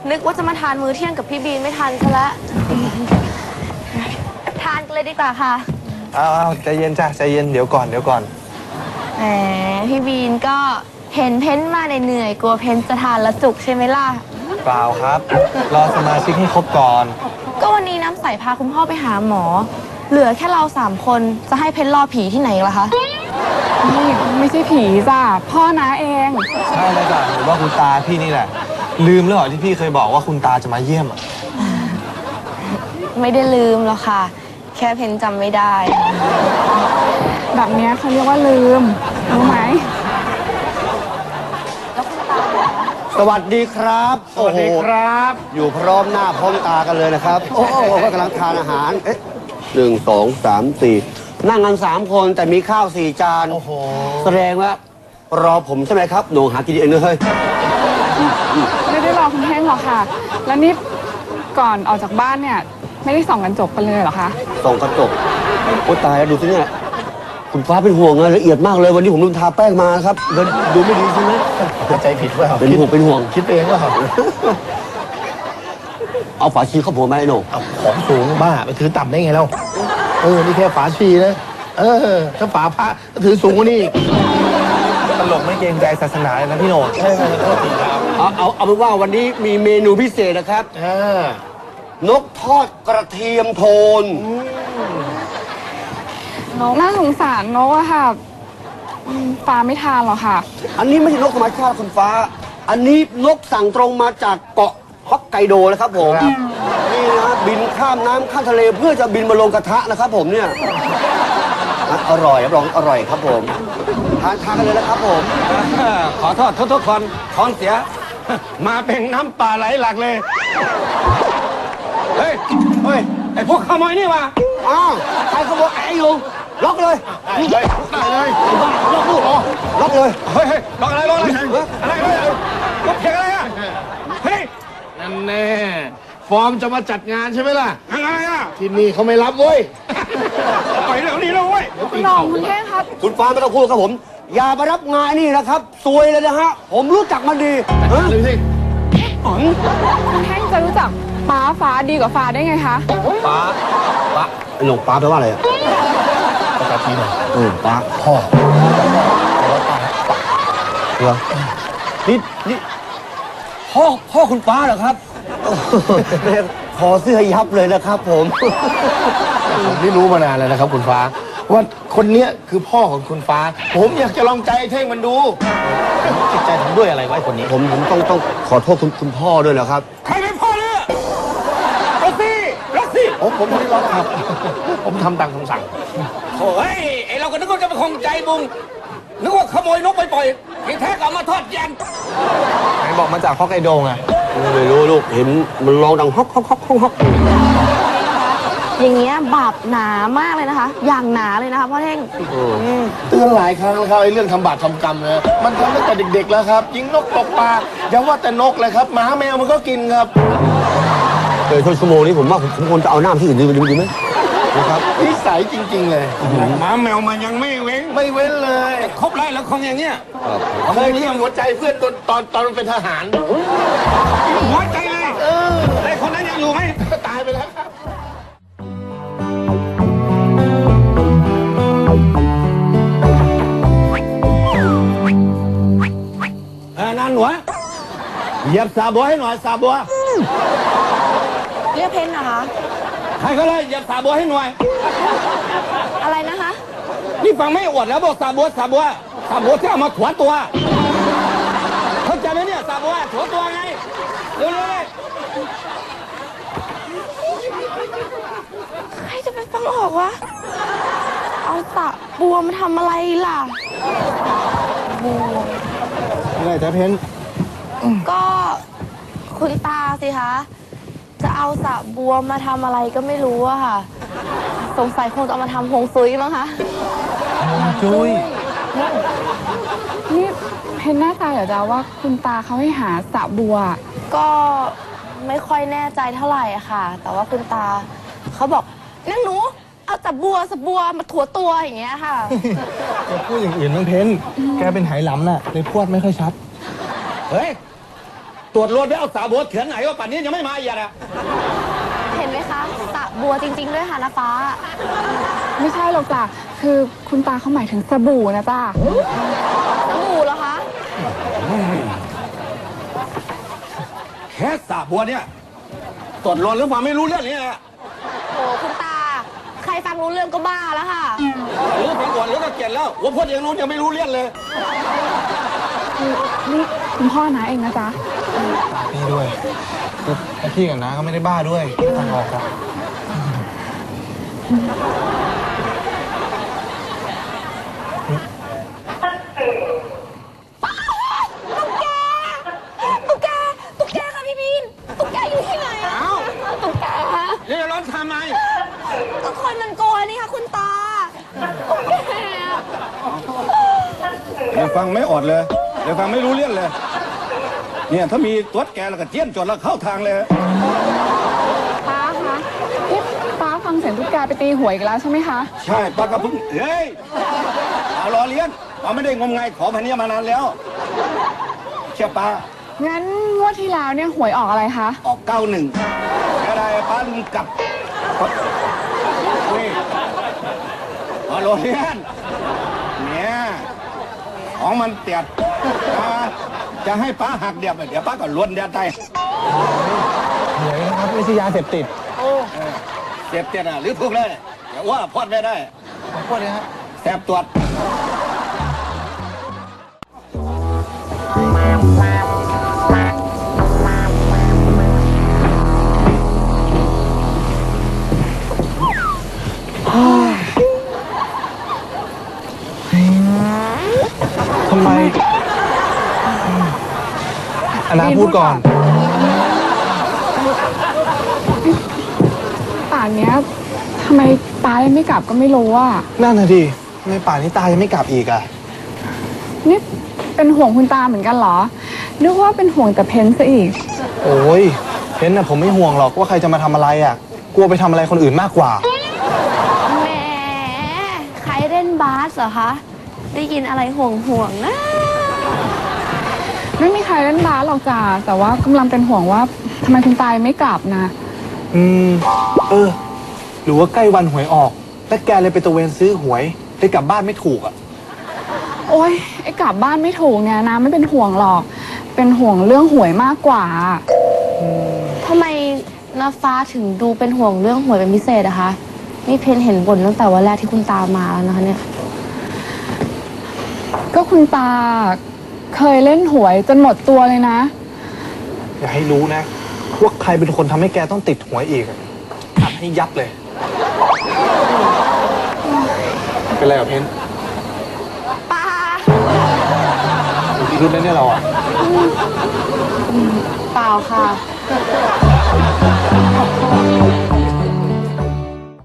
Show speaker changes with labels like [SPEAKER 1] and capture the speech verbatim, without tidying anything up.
[SPEAKER 1] นึกว่าจะมาทานมื้อเที่ยงกับพี่บีนไม่ทันซะแล้วทานกันเลยดีกว่าค่ะ
[SPEAKER 2] เอาเอาใจเย็นจ้ะใจเย็นเดี๋ยวก่อนเดี๋ยวก่อน
[SPEAKER 1] แหมพี่บีนก็เห็นเพ้นมาเหนื่อยกลัวเพ้นจะทานละจุกใช่ไหมล่ะ
[SPEAKER 2] เปล่าครับรอสมาชิกให้ครบก่อน
[SPEAKER 1] ก็วันนี้น้ำใสพาคุณพ่อไปหาหมอเหลือแค่เราสามคนจะให้เพ้นรอผีที่ไหนล่ะคะ
[SPEAKER 3] นี่ไม่ใช่ผีจ้ะพ่อน้าเอง
[SPEAKER 2] ใช่แล้วจ้ะหรือว่าคุณตาพี่นี่แหละลืมแล้วเหรอที่พี่เคยบอกว่าคุณตาจะมาเยี่ยมอ่ะ
[SPEAKER 1] ไม่ได้ลืมหรอกค่ะแค่เพ้นจำไม่ได้
[SPEAKER 3] แบบนี้เขาเรียกว่าลืมรู้ไหม
[SPEAKER 1] แล้วคุณตา
[SPEAKER 4] สวัสดีครับ
[SPEAKER 5] สวัสดีครับ
[SPEAKER 4] อยู่พร้อมหน้าพร้อมตากันเลยนะครับโอ้โหกำลังทานอาหารเอ๊ะหนึ่งสองสามสี่นั่งกันสามคนแต่มีข้าวสี่จานโอ้โหแสดงว่ารอผมใช่ไหมครับหนูหากินเองเลย
[SPEAKER 3] ไม่ได้รอคุณแห้งหรอกค่ะแล้วนี่ก่อนออกจากบ้านเนี่ยไม่ได้ส่องกระจกกันเลยเหรอคะ
[SPEAKER 4] ส่องกระจกโอ้ตายแล้วดูสิเนี่ยคุณฟ้าเป็นห่วงละเอียดมากเลยวันนี้ผมลืมทาแป้งมาครับดูไม่ดีใช่ไหม
[SPEAKER 5] เข้าใจผิดว่า
[SPEAKER 4] เป็นห่วงเป็นห่วง
[SPEAKER 5] คิดเองว่า
[SPEAKER 4] เอาฝาชีเข้าหัวไหมไอ้หนู
[SPEAKER 5] ของสูงบ้าไปถือต่ำได้ไงเราเออนี่แค่ฝาชีนะเออถ้าฝาพระถือสูงกว่านี้
[SPEAKER 2] ตลกไม่เกรงใจศาสนาเลยนะพี่โหน่ง
[SPEAKER 4] เอาเอาเอาเป็นว่าวันนี้มีเมนูพิเศษนะครับนกทอดกระเทียมโทน
[SPEAKER 3] นกน่าสงสารนกอะค่ะฟ้าไม่ทานหรอกค่ะ
[SPEAKER 4] อันนี้ไม่ใช่นกธรรมชาติคุณฟ้าอันนี้นกสั่งตรงมาจากเกาะฮอกไกโดนะครับผมนี่นะบินข้ามน้ำข้ามทะเลเพื่อจะบินมาลงกระทะนะครับผมเนี่ยอร่อยรับรองอร่อยครับผมทานทานกันเลยนะครับผม
[SPEAKER 5] ขอโทษทุกๆคนท้องเสียมาเป็นน้ำป่าไหลหลักเลยเฮ้ยเฮ้ยไอพวกขโมยนี่วะ
[SPEAKER 4] อ้าวใครขโมยไอ้ยุงล็อกเลย
[SPEAKER 5] ได้เลยได้เลย
[SPEAKER 4] ล็อกลูกเหรอล็อกเลย
[SPEAKER 5] เฮ้ยล็อกอะไรล็อกอะไรอะไรอะไรล็อกเพลงอะไรอ่ะเฮ้ยนั่นแน่ฟอร์มจะมาจัดงานใช่ไหมล่ะอะไรอ่ะที่นี่เขาไม่รับเว้ยไปเรื่องนี้แล้วเว้ย
[SPEAKER 3] คุณน้องคุณแห้งครับ
[SPEAKER 4] คุณฟ้าไม่ต้องพูดครับผมอย่ามารับงานนี่นะครับซวยเลยนะฮะผมรู้จักมันดี
[SPEAKER 5] ฮะเลยสิ
[SPEAKER 3] คุณแห้งจะรู้จักป้าฟ้าดีกว่าฟ้าได้ไงคะ
[SPEAKER 4] ป้าป้าไอ้หลงป้าแปลว่าอะไรอ่ะ
[SPEAKER 5] ภาษาจีน
[SPEAKER 4] เออป้า
[SPEAKER 5] พ่อ
[SPEAKER 4] เหรอนี่นี่พ่อพ่อคุณฟ้าเหรอครับขอเสื้อยับเลยนะครับผม
[SPEAKER 5] ผมไม่รู้มานานแล้วนะครับคุณฟ้าว่าคนนี้คือพ่อของคุณฟ้าผมอยากจะลองใจเท่งมันดูจิตใจทำด้วยอะไรไว้คนนี้
[SPEAKER 4] ผมผมต้องต้องขอโทษคุณคุณพ่อด้วยนะครับ
[SPEAKER 5] ใครเป็นพ่อเนี่ยรัสซี่รัสซี่ผมผมไม่ได้ร้องครับผมทำตามคำสั่งโอ้ยไอเราก็นึกว่าจะเป็นคงใจบุงนึกว่าขโมยนกไปปล่อยที่แท้ก็เอามาทอดยัน
[SPEAKER 2] ไหนบอกมาจากฮอกไกโดไง
[SPEAKER 4] ไม่รู้ลูกเห็นมันร้องดังฮอกฮอกฮอกฮอกฮอก
[SPEAKER 1] อย่างเงี้ยบาปหนามากเลยนะคะอย่างหนาเลยนะคะพ่อเท่ง
[SPEAKER 5] เตือนหลายครั้งแล้วครับไอ้เรื่องทำบาปทำกรรมนะมันทำตั้งแต่เด็กๆแล้วครับยิงนกตกปลาอย่าว่าแต่นกเลยครับหมาแมวมันก็กินครับ
[SPEAKER 4] เกิดชั่วโมงนี้ผมว่าผมควรจะเอาหน้าที่อื่นดีดีไหมนะครับ
[SPEAKER 5] นิสัยจริงๆเลยหมาแมวมันยังไม่เว้นไม่เว้นเลยครบไล่แล้วคงอย่างเงี้ยเคยเลี้ยงหัวใจเพื่อนตอนตอนตอนเป็นทหารหัวใจเลยเออไอ้คนนั้นยังอยู่ไหมตายไปแล้วครับเออนั่นหนูเหยียบสาบัวให้หน่อยสาบัว
[SPEAKER 1] เรียกเพ้นนะคะ
[SPEAKER 5] ใครก็เลยเหยียบสาบัวให้หน่อย
[SPEAKER 1] อะไรนะคะ
[SPEAKER 5] นี่ฟังไม่อวดแล้วบอกสาบัวสาบัวสาบัวที่เอามาถวนตัวเข้าใจไหมเนี่ยสาบัวถวนตัวไงเร็วเลย
[SPEAKER 1] ใครจะไปฟังออกวะเอาสาบัวมาทำอะไรล่ะบัว
[SPEAKER 2] อะไรจ๊ะเพ้น
[SPEAKER 1] ก็คุณตาสิคะจะเอาสระบัวมาทำอะไรก็ไม่รู้อะค่ะสงสัยคงจะเอามาทำฮวงซุยมั้งคะ
[SPEAKER 2] จุ้ย
[SPEAKER 3] นี่เพนหน้าตาเหรอจ๊ะว่าคุณตาเขาให้หาสระบัว
[SPEAKER 1] ก็ไม่ค่อยแน่ใจเท่าไหร่อะค่ะแต่ว่าคุณตาเขาบอกนั่นหนูเอาสระบัวสระบัวมาถั่วตัวอย่างเงี้ยค่ะ
[SPEAKER 2] จะพูดอย่างอื่นมั้งเพ้นแกเป็นไหหลำน่ะเลยพูดไม่ค่อยชัด
[SPEAKER 5] เฮ้ยตรวจรถแล้วเอาสาบัวเถื่อนไหนว่าป่านนี้ยังไม่มาอีกอ่ะ
[SPEAKER 1] เห็นไหมคะสระบัวจริง ๆ ด้วยค่ะนะฟ้า
[SPEAKER 3] ไม่ใช่หรอกจ้ะคือคุณตาเขาหมายถึงสบู่นะจ้ะ
[SPEAKER 1] สบู่เหรอคะ
[SPEAKER 5] แค่สาบัวเนี่ยตรวจรถแล้วฟังไม่รู้เรื่องนี่แหละ
[SPEAKER 1] โอ้คุณตา ใครฟังรู้เรื่องก็บ้าแล้วค่ะ
[SPEAKER 5] หรือฟังก่อนหรือก็เก็บแล้วว่าพ่อยังรู้ยังไม่รู้เรื่องเลย
[SPEAKER 3] คือนี่คุณพ่อนะเองนะจ๊ะ
[SPEAKER 2] พี่ด้วยคือพี่กับน้าก็ไม่ได้บ้าด้วยทางออกครับ
[SPEAKER 1] ตุ๊กแก ตุ๊กแกค่ะพี่บิน ตุ๊กแกอยู่ที่ไหนอะ
[SPEAKER 5] อ้าว
[SPEAKER 1] ตุ๊กแก
[SPEAKER 5] นี่ร้อนทำไม
[SPEAKER 1] ก็คนมันโกยนี่ค่ะคุณตา ตุ๊กแกอะ
[SPEAKER 5] ยังฟังไม่อดเลยยังฟังไม่รู้เรื่องเลย เนี่ยถ้ามีตัวแกแล้วก็เจี้ยนจดแล้วเข้าทางเลย
[SPEAKER 3] ป้าคะนี่ป้าฟังเสียงตุ๊กแกไปตีหวยกันแล้วใช่ไหมคะ
[SPEAKER 5] ใช่ป้าก็เพิ่งเฮ้ยเอาล้อเลี้ยนป้าไม่ได้งมงายขอพันนี้มานานแล้วเชื่อป้า
[SPEAKER 3] งั้นงวดที่แล้วเนี่ยหวยออกอะไรคะ
[SPEAKER 5] ออกเก้าหนึ่งอะไรป้าลืมกลับนี่เอาล้อเลี้ยนเนี่ยของมันเตียดอ่าจะให้ป้าหักเดียบเดี๋ยวป้าก็ล้วนเดียดได้
[SPEAKER 2] หวยนะครับไม่ใช่ยาเสพติด
[SPEAKER 5] เสียบเตียดอ่ะหรือถูกเลยเดี๋ยวว่าพอดไม่ได้
[SPEAKER 2] ขอโทษนะฮะ
[SPEAKER 5] แสบตรวจ
[SPEAKER 2] ทำไมอันนาพูดก่อน
[SPEAKER 3] ป่านเนี้ยทำไมตายังไม่กลับก็ไม่รู้อ่ะ
[SPEAKER 2] นั่นน่ะดิทำไมป่านนี้ตายังไม่กลับอีกอ่ะ
[SPEAKER 3] นี่เป็นห่วงคุณตาเหมือนกันเหรอ นึกว่าเป็นห่วงแต่เพนซะอีก
[SPEAKER 2] โอ้ยเพนน่ะผมไม่ห่วงหรอกว่าใครจะมาทำอะไรอ่ะ กลัวไปทำอะไรคนอื่นมากกว่า
[SPEAKER 1] แหม ใครเล่นบาสเหรอคะ ได้ยินอะไรห่วงห่วงๆนะ
[SPEAKER 3] ไม่มีใครเล่นบาสหรอกจ้ะแต่ว่ากำลังเป็นห่วงว่าทำไมคุณตายังไม่กลับนะ
[SPEAKER 2] อืม เออ หรือว่าใกล้วันหวยออก แล้วแกเลยไปตระเวนซื้อหวยเลยกลับบ้านไม่ถูกอ่ะ
[SPEAKER 3] โอ๊ยไอ้กลับบ้านไม่ถูกเนี่ยนะไม่เป็นห่วงหรอก เป็นห่วงเรื่องหวยมากกว่า
[SPEAKER 1] ทำไมนาฟ้าถึงดูเป็นห่วงเรื่องหวยเป็นพิเศษอะคะ นี่เพนเห็นบ่นตั้งแต่วันแรกที่คุณตามาแล้วนะคะเนี่ย
[SPEAKER 3] ก็คุณตาเคยเล่นหวยจนหมดตัวเลยนะ
[SPEAKER 2] อย่าให้รู้นะว่าใครเป็นคนทำให้แกต้องติดหวยอีกอะอัดให้ยับเลย เป็นไรกับเพน
[SPEAKER 1] ป้า
[SPEAKER 2] อยู่ที่รุ่นนั้นเนี่ยเราอ่ะ
[SPEAKER 1] เปล่าค่ะ